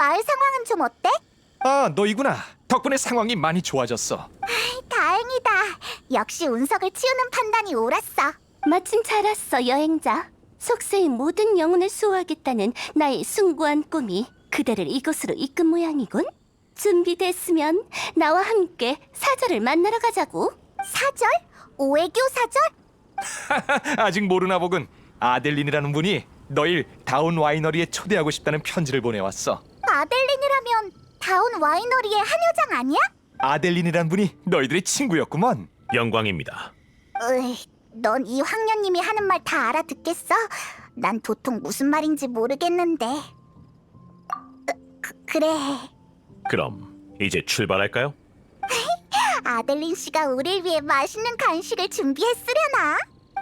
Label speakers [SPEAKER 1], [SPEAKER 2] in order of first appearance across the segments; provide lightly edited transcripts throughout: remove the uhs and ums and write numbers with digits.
[SPEAKER 1] 마을 상황은 좀 어때?
[SPEAKER 2] 아, 너희구나. 덕분에 상황이 많이 좋아졌어.
[SPEAKER 1] 다행이다. 역시 운석을 치우는 판단이 옳았어.
[SPEAKER 3] 마침 잘 왔어, 여행자. 속세의 모든 영혼을 수호하겠다는 나의 숭고한 꿈이 그대를 이곳으로 이끈 모양이군. 준비됐으면 나와 함께 사절을 만나러 가자고.
[SPEAKER 1] 사절? 오해교 사절?
[SPEAKER 2] 아직 모르나 보군. 아델린이라는 분이 너희 다운 와이너리에 초대하고 싶다는 편지를 보내왔어.
[SPEAKER 1] 아델린이라면 다운 와이너리의 한 여장 아니야?
[SPEAKER 2] 아델린이라는 분이 너희들의 친구였구먼.
[SPEAKER 4] 영광입니다.
[SPEAKER 1] 넌 이 황녀님이 하는 말 다 알아듣겠어? 난 도통 무슨 말인지 모르겠는데. 그래.
[SPEAKER 4] 그럼 이제 출발할까요?
[SPEAKER 1] 아델린 씨가 우릴 위해 맛있는 간식을 준비했으려나?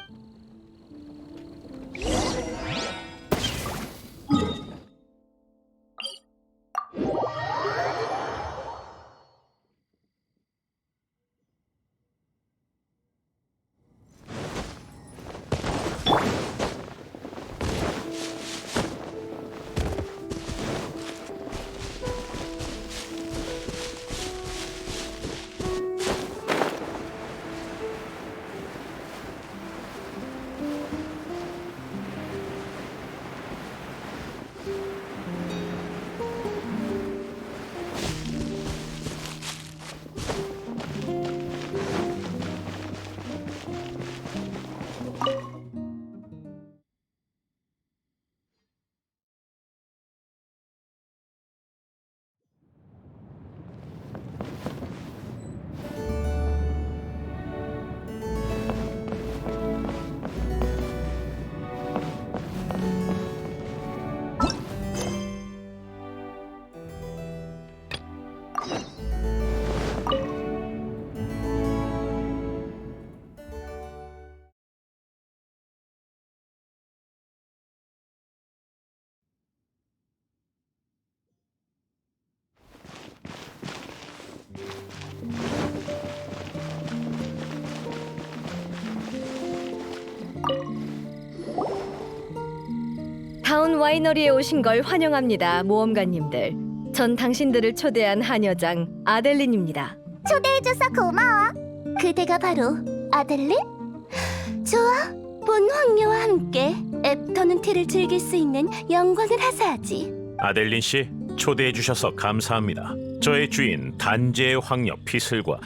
[SPEAKER 5] 다운 와이너리에 오신 걸 환영합니다, 모험가님들. 전 당신들을 초대한 한여장 아델린입니다.
[SPEAKER 1] 초대해줘서 고마워.
[SPEAKER 3] 그대가 바로 아델린? 좋아, 본 황녀와 함께 애프터눈 티를 즐길 수 있는 영광을 하사하지.
[SPEAKER 4] 아델린 씨, 초대해 주셔서 감사합니다. 저의 주인 단재의 황녀 피슬과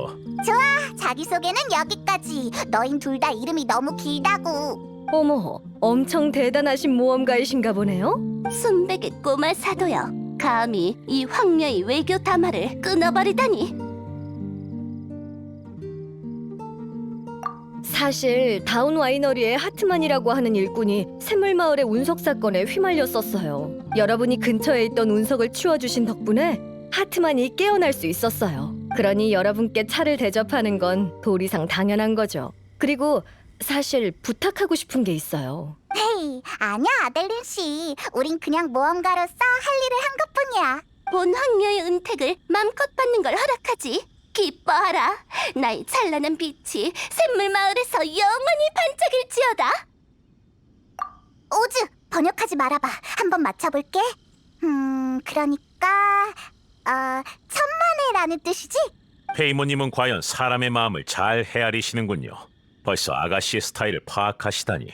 [SPEAKER 1] 자기소개는 여기까지. 너흰 둘 다 이름이 너무 길다고.
[SPEAKER 5] 어머, 엄청 대단하신 모험가이신가 보네요?
[SPEAKER 3] 순백의 꼬마 사도여, 감히 이 황녀의 외교 담화를 끊어버리다니.
[SPEAKER 5] 사실 다운 와이너리의 하트만이라고 하는 일꾼이 샘물마을의 운석 사건에 휘말렸었어요. 여러분이 근처에 있던 운석을 치워주신 덕분에 하트만이 깨어날 수 있었어요. 그러니 여러분께 차를 대접하는 건 도리상 당연한 거죠. 그리고 사실 부탁하고 싶은 게 있어요.
[SPEAKER 1] 헤이, 아니야 아델린 씨. 우린 그냥 모험가로서 할 일을 한 것뿐이야.
[SPEAKER 3] 본 황녀의 은택을 맘껏 받는 걸 허락하지. 기뻐하라. 나의 찬란한 빛이 샘물 마을에서 영원히 반짝일지어다.
[SPEAKER 1] 오즈, 번역하지 말아봐. 한번 맞춰볼게. 그러니까 천만에라는 뜻이지?
[SPEAKER 4] 페이모님은 과연 사람의 마음을 잘 헤아리시는군요. 벌써 아가씨의 스타일을 파악하시다니.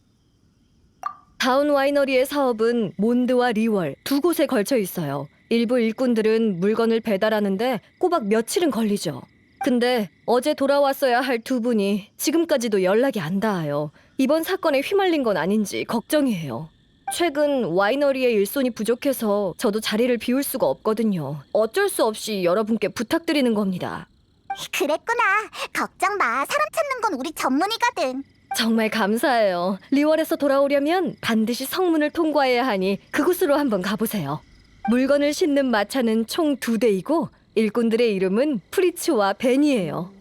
[SPEAKER 5] 다운 와이너리의 사업은 몬드와 리월 두 곳에 걸쳐 있어요. 일부 일꾼들은 물건을 배달하는데 꼬박 며칠은 걸리죠. 근데 어제 돌아왔어야 할 두 분이 지금까지도 연락이 안 닿아요. 이번 사건에 휘말린 건 아닌지 걱정이에요. 최근 와이너리의 일손이 부족해서 저도 자리를 비울 수가 없거든요. 어쩔 수 없이 여러분께 부탁드리는 겁니다.
[SPEAKER 1] 그랬구나. 걱정 마. 사람 찾는 건 우리 전문이거든.
[SPEAKER 5] 정말 감사해요. 리월에서 돌아오려면 반드시 성문을 통과해야 하니 그곳으로 한번 가보세요. 물건을 싣는 마차는 총 2대이고 일꾼들의 이름은 프리츠와 벤이에요.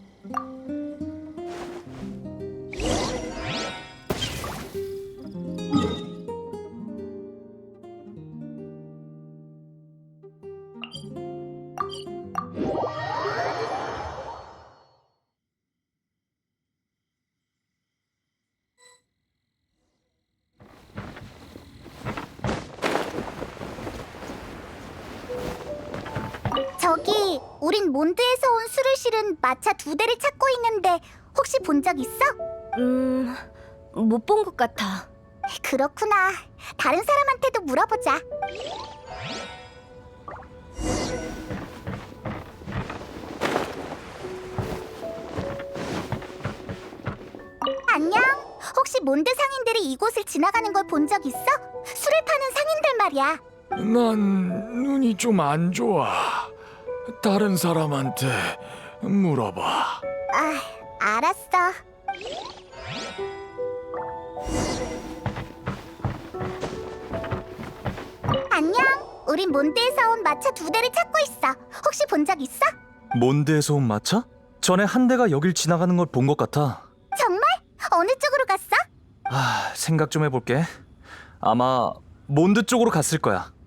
[SPEAKER 1] 저기, 우린 몬드에서 온 술을 실은 마차 2대를 찾고 있는데 혹시 본 적 있어?
[SPEAKER 5] 못 본 것 같아.
[SPEAKER 1] 그렇구나. 다른 사람한테도 물어보자. 안녕. 혹시 몬드 상인들이 이곳을 지나가는 걸 본 적 있어? 술을 파는 상인들 말이야.
[SPEAKER 6] 난 눈이 좀 안 좋아. 다른 사람한테 물어봐.
[SPEAKER 1] 아, 알았어. 안녕. 우린 몬드에서 온 마차 2대를 찾고 있어. 혹시 본 적 있어?
[SPEAKER 2] 몬드에서 온 마차? 전에 한 대가 여길 지나가는 걸 본 것 같아.
[SPEAKER 1] 정말? 어느 쪽으로 갔어?
[SPEAKER 2] 생각 좀 해볼게. 아마 몬드 쪽으로 갔을 거야.